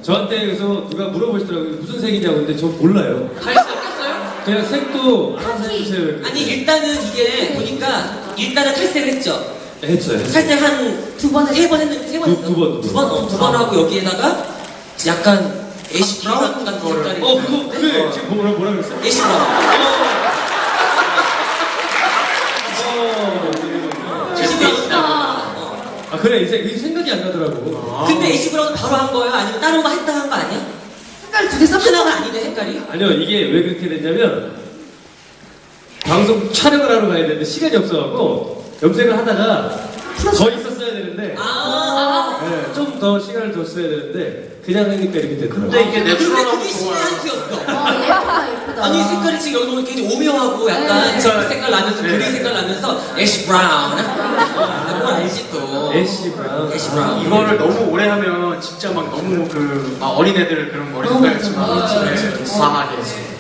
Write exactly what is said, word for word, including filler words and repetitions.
저한테 그래서 누가 물어보시더라고요. 무슨 색이냐고. 근데 저 몰라요. 갈 수 없겠어요? 그냥 색도 알아서 해주세요. 아니 일단은 이게 보니까 일단은 탈색을 했죠. 네, 했어요. 했어요. 탈색 한 두 번 세 번 했는데 세 번 두- 했어. 두 번, 두 두 번. 번, 어, 두 번 하고 여기에다가 약간 애쉬 브라운 같은 색깔이. 어, 그거, 그래. 지금 뭐라, 뭐라 그랬어요? 애쉬 브라운. 어, 애쉬 브라운. 아, 그래. 이 색, 이 생각이 안 나더라고. 근데 애쉬 브라운 바로 한 거예요? 아니면 다른 거 했다 한 거 아니야? 색깔 두 개 섞은 하나가 거 아닌데 색깔이? 아니요, 이게 왜 그렇게 됐냐면, 방송 촬영을 하러 가야 되는데 시간이 없어갖고, 염색을 하다가 더 있었어야 되는데, 아. 네, 좀 더 시간을 더 써야 되는데, 그냥 하니까 이렇게 되더라고요. 근데 이게 근데 내추럴하고 그게 신의 좋아요. 한 수였어. 어, 예쁘다, 예쁘다. 아니 색깔이 지금 여기 보면 굉장히 오묘하고 약간 네. 색 색깔 나면서 네. 그린 색깔 나면서 애쉬 브라운. 아, 그거 알지 또. 애쉬 브라운. 애쉬 브라운. 이거를 너무 오래 하면 진짜 막 너무 그 막 어린애들 그런 머리 색깔이지만 그렇지, 그렇지, 그렇지. 과하게.